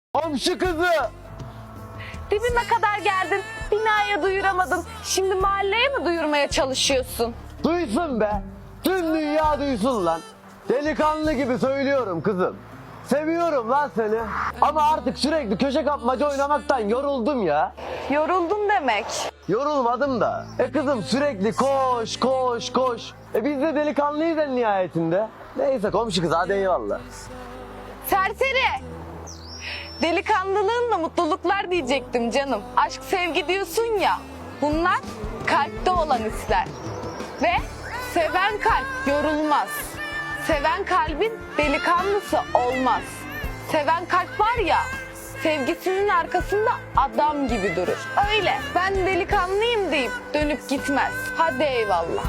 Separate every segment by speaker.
Speaker 1: Komşu kızı.
Speaker 2: Dibime kadar geldin. Binaya duyuramadın. Şimdi mahalleye mi duyurmaya çalışıyorsun?
Speaker 1: Duysun be. Tüm dünya duysun lan. Delikanlı gibi söylüyorum kızım. Seviyorum lan seni. Ama artık sürekli köşe kapmaca oynamaktan yoruldum ya.
Speaker 2: Yoruldun demek.
Speaker 1: Yorulmadım da. Kızım sürekli koş koş koş. Biz de delikanlıyız en nihayetinde. Neyse komşu kız hadi eyvallah.
Speaker 2: Serseri. Delikanlılığınla mutluluklar diyecektim canım. Aşk sevgi diyorsun ya. Bunlar kalpte olan hisler. Ve seven kalp yorulmaz. Seven kalbin delikanlısı olmaz. Seven kalp var ya, sevgisinin arkasında adam gibi durur. Öyle ben delikanlıyım deyip dönüp gitmez. Hadi eyvallah.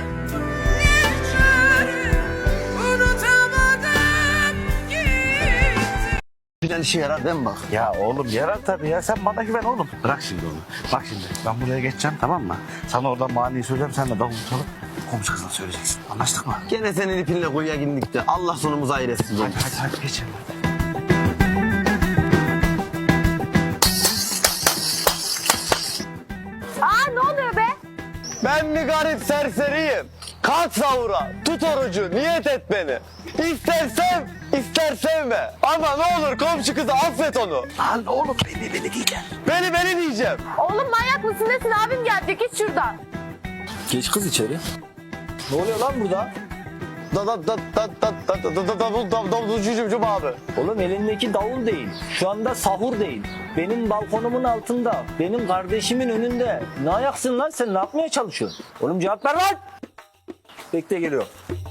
Speaker 1: Filan işe yarar değil mi bak?
Speaker 3: Ya oğlum yarar tabii ya, sen bana güven oğlum. Bırak şimdi onu. Bak şimdi ben buraya geçeceğim, tamam mı? Sana oradan maniyi söyleyeceğim, sen de davul çalıp komşu kızına söyleyeceksin. Anlaştık mı?
Speaker 1: Gene senin ipinle kuyuya girdik de Allah sonumuzu hayır etsin.
Speaker 3: Hadi geç.
Speaker 2: Aa, ne oluyor be?
Speaker 1: Ben bir garip serseriyim. Kalk sahura, tut orucu, niyet et beni. İster sev, ister sevme. Ama ne olur komşu kızı affet onu.
Speaker 3: Lan oğlum beni diyeceksin.
Speaker 1: Beni diyeceğim.
Speaker 2: Oğlum manyak mısın nesin, abim gelecek, git şuradan.
Speaker 4: Geç kız içeri. Ne oluyor lan burada?
Speaker 1: Davulcum abi.
Speaker 4: Oğlum elindeki davul değil. Şu anda sahur değil. Benim balkonumun altında. Benim kardeşimin önünde. Ne ayaksın lan sen? Ne yapmaya çalışıyorsun? Oğlum cevap ver lan. Bekle geliyor.